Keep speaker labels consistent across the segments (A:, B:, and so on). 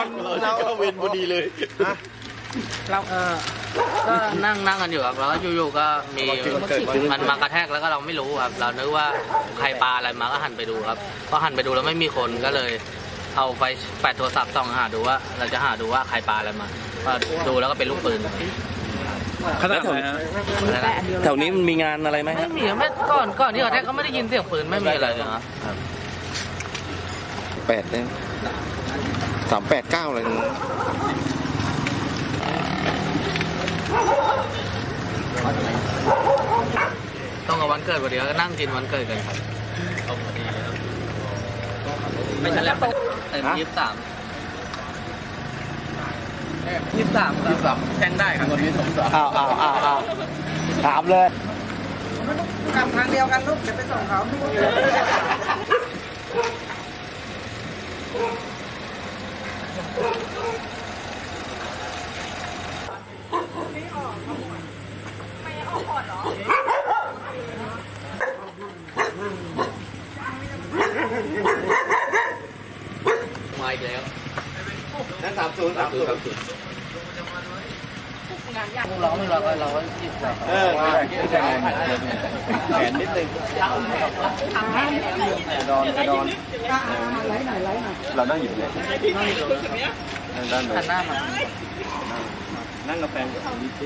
A: เราก็เวนพอดีเลย
B: เราก็นั่งกันอยู่ครับแล้วก็อยู่ๆก็มีมันมากระแทกแล้วก็เราไม่รู้ครับเรานึกว่าใครปาอะไรมาก็หันไปดูครับพอหันไปดูแล้วไม่มีคนก็เลยเอาไฟแปดโทรศัพท์ส่องหาดูว่าเราจะหาดูว่าใครปาอะไรมาดูแล้วก็เป็นลูกปืน
C: ขนาดไหนฮะแถวนี้มันมีงานอะไรไหม
B: ไม่มีไม่ก่อนที่กระแทกก็ไม่ได้ยินเสียงปืนไม่มีอะไรเลยครับ
A: 8เนี่ย389อะไรนึง
B: ต้องกับวันเกิดพอดีก็นั่งกินวันเกิดกันครับไม่ใช่แล้ว23แจ้งได้ครับวันนี้
A: อ้าวถามเลย
D: กลับทางเดียวกันลูกเดี๋ยวไปส่งเขา
B: มาอีกแล้ว
A: นั่น30
B: เราไม่เราจิบ
A: แขนนิดนึงดอนเรานั่งอยู่เนี่ยด้านหน้ามานั่งกับแฟน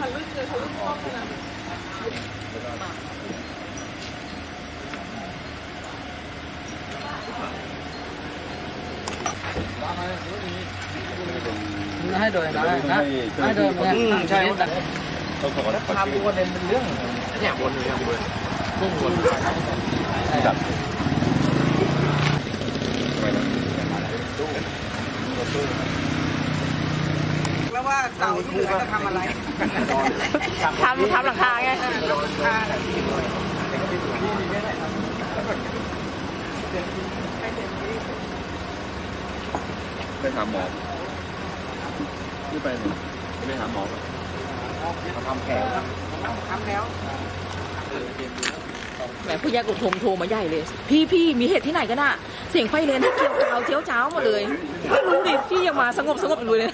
B: ให้โดยนะให้โดยใช่
A: ต้องขอรับความรู้ว่าเป็นเรื่องเนี่ยวนอยู่อย่างเดียวพุ่งวนจับ
D: แล้วว่าเสาที่เหลือจะทำอะไร
E: ทำหลังคาไง
A: ไปหาหมอที่ไปหาหมอเขาทำแผล
D: แล้ว
E: แหมผู้ใหญ่กดโทรมาใหญ่เลยพี่มีเหตุที่ไหนกันอะเสียงไฟเลนที่เกี่ยวกาวเจียวจ้าวหมดเลยไม่รู้ดิพี่ยังมาสงบอยู่เลย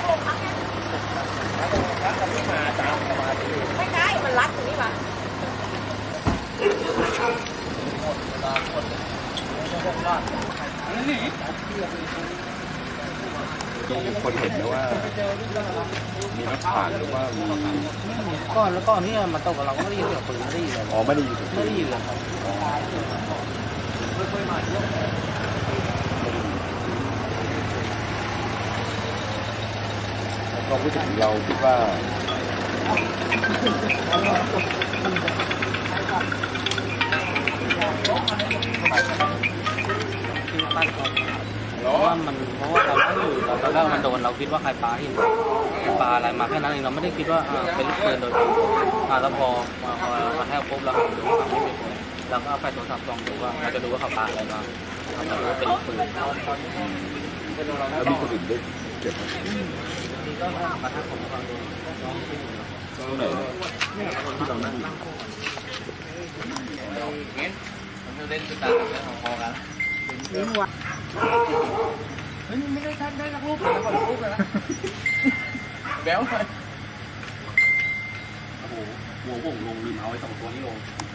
E: ไม่ใช่มันรัดตรงนี้มา
A: คนเห็นนะว่ามีรถผ่านหรือว่ามี
B: ก่อนที่มาตกกับเราก็ไม่ได้ยินเสียงปืนไม่ได้ยินเลย
A: อ๋อไม่ได้ยิน
B: เลยครับ
A: ความรู้สึกของเราคิดว่า
B: เพราะว่าเราไม่อยู่ตอนแรกมันโดนเราคิดว่าใครปาหินปาอะไรมาแค่นั้นเองเราไม่ได้คิดว่าเป็นลูกปืนโดยตรงแล้วพอมาแทกปุ๊บเราดูว่าไม่เป็นคนเราก็เอาไฟโทรศัพท์ส่องดูว่าเราจะดูว่าเขาปาอะไรมาเราดูว่าเป็นลูกปืน
A: แล้วมีคนอื่นด้วยเจ็บ
B: นี่ก็มาทักผมฟังดู
A: ตรงไหนที่เรานั่ง
B: มันเล่นกีตาร์กันพอกันไม่ได้ทันได้สักรูปเลยก่อนรูปเลยนะแบ๊วเลยโอ้โหหัวผมลงลืมเอาไอ้2 ตัวนี้ลง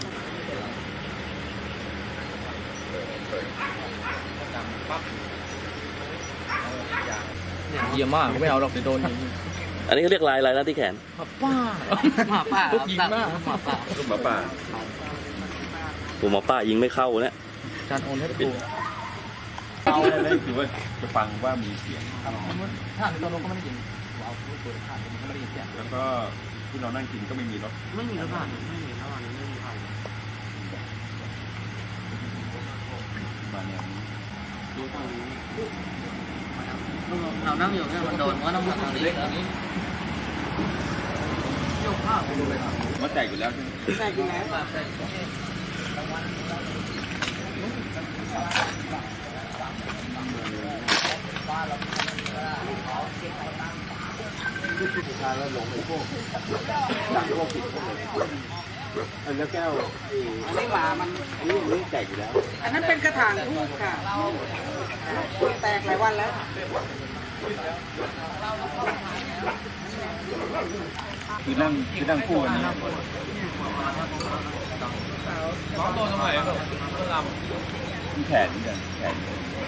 B: เยี่ยมมากไม่เอาหรอกเดี๋ยวโดน
C: อันนี้เขาเรียกลายอะไรนะที่แขน
B: หมาป่า
C: ยิงมากหมาป่าผมหมาป่ายิงไม่เข้าเนี่ย
B: การโอนให้ดู
A: เอาเลยคือว่าจะฟังว่ามีเสียง
B: ถ้าในตัวรถก็ไม่ได้ยินเอาตัวผ่านก็ไม่ได้ยินเสียง
A: แล้วก็ที่เรานั่งกินก็ไม่มีรถ
B: ไม่มีรถผ่านไม่มีผ่านไม่มีผ่าน
A: มาเนี่ย
B: ดูทางนี้เรานั่งอยู่เนี่ยมันโดนว่าน้ำหนักทางนี้โยกข้าว
A: มันแตกอยู่แล้วใช่ไหม
D: แตกอยู่แล้ว
A: สุดท้ายแล้วลงไปพวกดังพวกผิดพวกอะไรแล้วแก้ว
D: อันนี้หมามัน
A: อันนี้แตกอยู่แล้ว
D: อันนั้นเป็นกระถางทูบค่ะแตกหลายวันแล้ว
A: คือนั่งคู่กันนะน้องโดนตรงไหนต้องลำแขนนี่กันแขน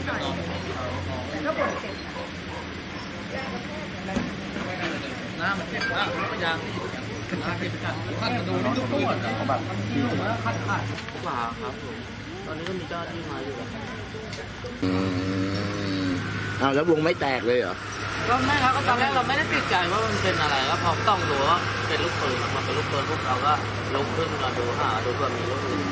B: น้ำมันเจ็บมากยังน้ำเจ็บกันขั้นกระดูกทุกตัวเขาแบบขั้นทุกหลาครับผมตอนนี้ก็มีเจ้าที่มาอยู่
F: อ้าวแล้ววงไม่แตกเลยเหรอ
B: ก็ไม่ครับก็ตอนแรกเราไม่ได้ติดใจว่ามันเป็นอะไรก็พอต้องดูว่าเป็นลูกปืนมันเป็นลูกปืนพวกเราก็ลุกขึ้นมาดูหาดูเผื่อมีลูกปืน